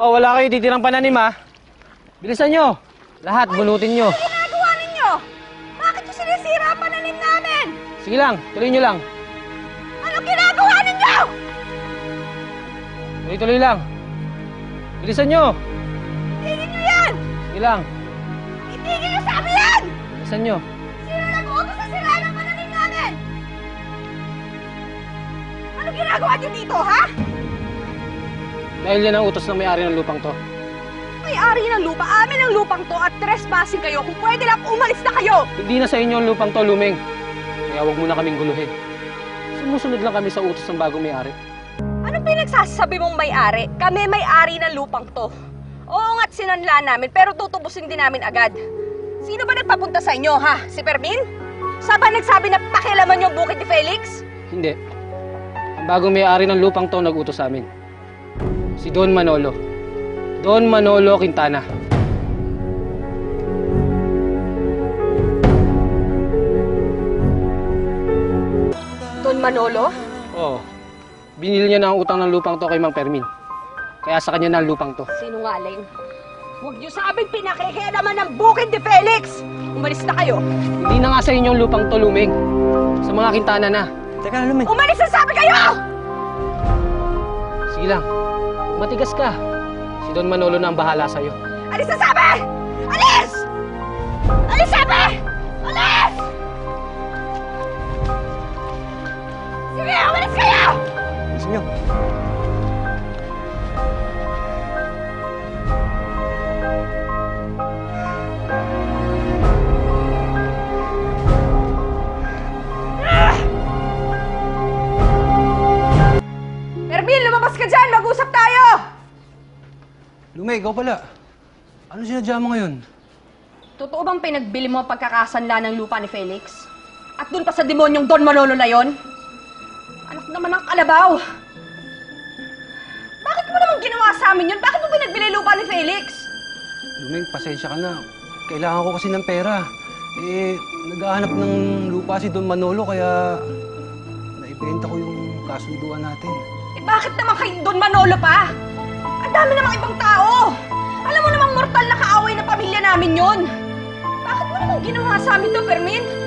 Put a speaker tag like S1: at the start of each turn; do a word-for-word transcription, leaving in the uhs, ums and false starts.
S1: Oh, wala kayo titirang pananim, ha? Bilisan nyo. Lahat, bunutin nyo.
S2: Ano ginagawa ninyo? Bakit yung sinisira ang pananim namin?
S1: Sige lang, tuloy nyo lang.
S2: Ano ginagawa ninyo?
S1: Tuloy-tuloy lang. Bilisan nyo.
S2: Itigil nyo yan!
S1: Sige lang.
S2: Itigil nyo sa amin yan!
S1: Bilisan nyo.
S2: Sino nag-uutos sa sira ng pananim namin? Ano ginagawa nyo dito, ha?
S1: Dahil yan ang utos ng may-ari ng lupang to.
S2: May-ari ng lupa, amin ang lupang to at trespassing kayo. Kung pwede lang, umalis na kayo!
S1: Hindi na sa inyo ang lupang to, Lumeng. Kaya huwag mo na kaming guluhin. Sumusunod lang kami sa utos ng bagong may-ari.
S2: Anong pinagsasabi mong may-ari? Kami may-ari ng lupang to. Oo nga't sinanla namin, pero tutubusin din namin agad. Sino ba nagpapunta sa inyo, ha? Si Fermin? Saan ba nagsabi na pakialaman yung bukid ni Felix?
S1: Hindi. Ang bagong may-ari ng lupang to nag-utos sa amin. Si Don Manolo. Don Manolo Quintana.
S2: Don Manolo?
S1: Oo. Binili niya na ang utang ng lupang to kay Mang Fermin. Kaya sa kanya na ang lupang to.
S2: Sinungaling. Huwag niyo sabing pinakikialaman ng bukid ni Felix! Umalis na kayo!
S1: Hindi na nga sa inyo ang lupang to, Lumeng. Sa mga Quintana na.
S3: Teka, Lumeng.
S2: Umalis na sabi kayo!
S1: Sige lang. Matigas ka. Si Don Manolo na ang bahala sa'yo.
S2: Alis na sabi! Alis! Alis sabi! Alis! Sige, umalis kayo!
S3: Bilisan nyo.
S2: Fermin, lumabas ka dyan! Mag-usap tayo!
S3: Lumeng, ikaw pala. Ano sinadya mo ngayon?
S2: Totoo bang pinagbili mo ang pagkakasanla ng lupa ni Felix? At dun pa sa demonyong Don Manolo na yon? Anak naman ng kalabaw! Bakit mo naman ginawa sa amin yun? Bakit mo pinagbili lupa ni Felix?
S3: Lumeng, pasensya ka na. Kailangan ko kasi ng pera. Eh, naghahanap ng lupa si Don Manolo kaya naibenta ko yung kasunduan natin.
S2: Eh bakit naman kay Don Manolo pa? Ang dami namang ibang tao! Alam mo namang mortal na kaaway na pamilya namin yon. Bakit mo naman ginawa sa amin to, Fermin?